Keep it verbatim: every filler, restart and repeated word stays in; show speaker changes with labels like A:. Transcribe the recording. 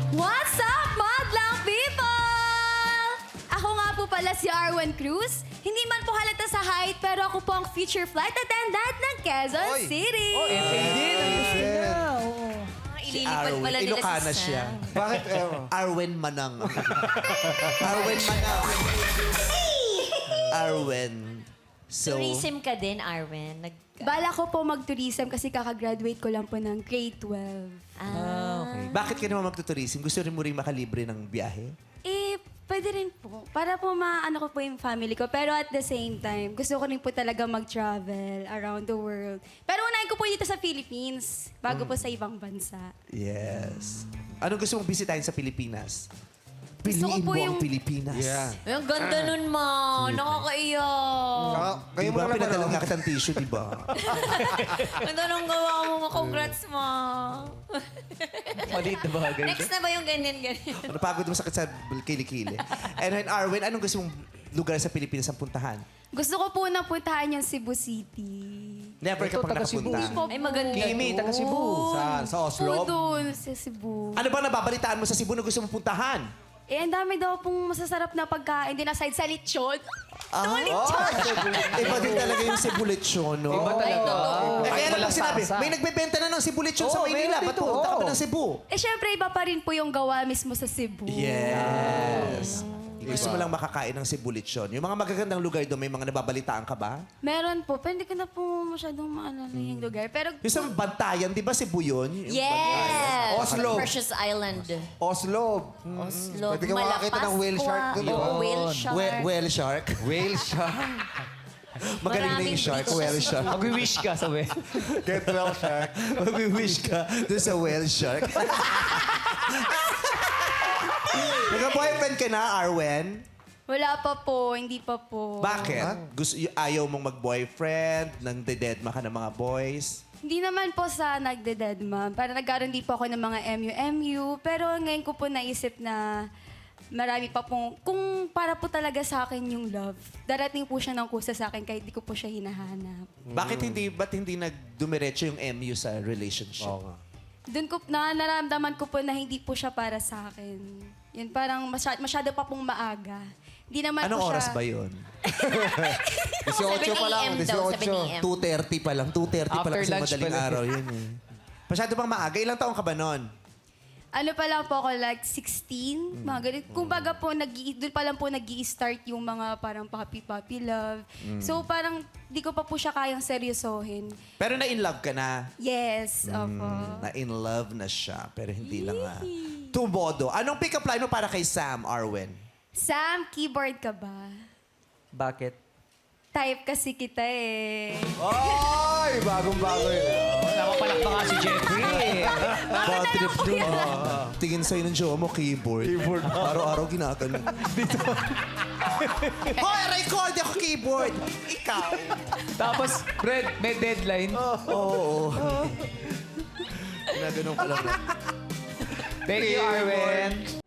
A: What's up, madlang people? Ako nga po pala si Arwen Cruz. Hindi man po halata sa height, pero ako po ang future flight attendant ng Quezon
B: Oy.
A: City.
C: Oh, F A din. Ang gusto niya. Oo.
D: Ililipad pala nila
B: Ilocana
D: si
B: siya.
D: Sam.
B: Bakit? Eh, Arwen Manang. Arwen Manang. Arwen. So,
D: Tourism ka din, Arwen. Nag...
A: Bala ko po mag-tourism kasi kakagraduate ko lang po ng grade twelve.
D: Ah,
C: Okay.
B: bakit ka naman magtuturism? Gusto rin mo rin makalibre ng biyahe?
A: Eh, pwede rin po. Para po maano ko po yung family ko. Pero at the same time, gusto ko rin po talaga mag-travel around the world. Pero unahin ko po dito sa Philippines, bago po sa ibang bansa.
B: Yes. Anong gusto mong bisitahin sa Pilipinas?
A: Gusto ko
B: Piliin
A: po
B: mo ang
A: yung-
B: Pilipinas.
E: Yeah.
D: Ay, ang ganda nun, ma. Nakakaiyak.
E: Saka, kayo
B: Di
E: mo
B: ba?
E: na naman.
B: Pinadala
E: oh.
B: nga kitang tissue, di ba?
D: Ganda nung gawa mo. Congrats, ma.
C: Maliit na bagay.
D: Next na ba yung ganyan-ganyan?
B: Napagod mo sakit sa kilikili. And then, Arwen, anong gusto mong lugar sa Pilipinas ang puntahan?
A: Gusto ko po na puntahan yung Cebu City.
B: Never ka
C: Ito,
B: pang
C: taga Cebu.
B: nakapunta.
D: Ay, maganda.
C: Kimi, taga Cebu.
E: Saan? Sa
A: Po
E: Oslo?
A: doon sa Cebu.
B: Ano ba nababalitaan mo sa Cebu na gusto mong puntahan?
A: Eh, ang dami daw pong masasarap na pagkain din aside sa lechon.
B: Ah, Iba din talaga yung Cebu lechon, no?
C: Iba
D: Ay,
C: talaga.
D: totoo.
B: Eh, kaya lang
C: walang
B: sinabi,
C: sarsa.
B: may nagbebenta na ng Cebu lechon sa
C: Oo,
B: Maynila.
C: meron
B: Ba't
C: dito,
B: pupunta ka pa
C: oo.
B: ng Cebu?
A: Eh, syempre, iba pa rin po yung gawa mismo sa Cebu.
B: Yes. Gusto mo lang makakain ng Cebu lechon. Yung mga magagandang lugar doon, may mga nababalitaan ka ba?
A: Meron po, pero hindi ko na po masyadong maalala yung lugar. Pero
B: Yung sa Bantayan, di ba Cebu yun? Yung
D: Yes!
E: Oslo.
D: Precious Island.
E: Oslo.
D: Oslo.
E: Pwede ka makakita ng whale shark doon, di ba?
D: Oo, whale shark.
B: Whale, whale shark.
E: Whale shark.
B: Magaling na
D: Maraming
B: yung shark,
D: beaches.
B: whale shark.
C: Mag-wish ka sa we.
E: Get well shark.
B: Mag-wish ka doon sa whale shark. Nagka-boyfriend ka na, Arwen?
A: wala pa po, hindi pa po.
B: Bakit? Gusto, y- ayaw mong mag-boyfriend, nang dededma ka ng mga boys?
A: Hindi naman po sa nagde-dead ma'am. Para nagkaroon din po ako ng mga M U M U. Pero ngayon ko po naisip na marami pa pong, kung para po talaga sa akin yung love, darating po siya ng kusa sa akin kahit di ko po siya hinahanap.
B: Bakit hindi, ba't hindi nagdumiretso yung M U sa relationship?
E: Oo nga.
A: Doon ko, na naramdaman ko po na hindi po siya para sa akin. Yun, parang masyado, masyado pa pong maaga. Hindi naman
B: Anong
A: po siya...
B: oras ba yun?
E: eighteen pa lang.
D: seven a m daw,
E: eighteen.
D: seven a m
B: two thirty pa lang. two thirty pa lang
C: After
B: kasi
C: lunch
B: madaling
C: pala.
B: araw yun eh. Masyado bang maaga? Ilang taong ka ba nun?
A: Ano pa lang po ako, like sixteen, mga ganun. Kung baga po, nag doon pa lang po nag start yung mga parang puppy-puppy love. So parang di ko pa po siya kayang seryosohin.
B: Pero na-in love ka na.
A: Yes, opo.
B: Na-in love na siya. Pero hindi lang ah. Tumodo. Anong pick-up line mo para kay Sam, Arwen?
A: Sam, keyboard ka ba?
C: Bakit?
A: Type kasi kita eh.
E: Ay, bagong-bago yun.
C: Napapalak pa nga si Jeffrey.
B: Bad trip dun. ah. Tingin sa'yo ng jowa mo, keyboard. Keyboard. Araw-araw ginagano. Dito. Hoy, record ako keyboard. Ikaw.
C: Tapos, Fred, may deadline.
B: Oo. Ginaganon ko lang.
C: Thank you, Arwen.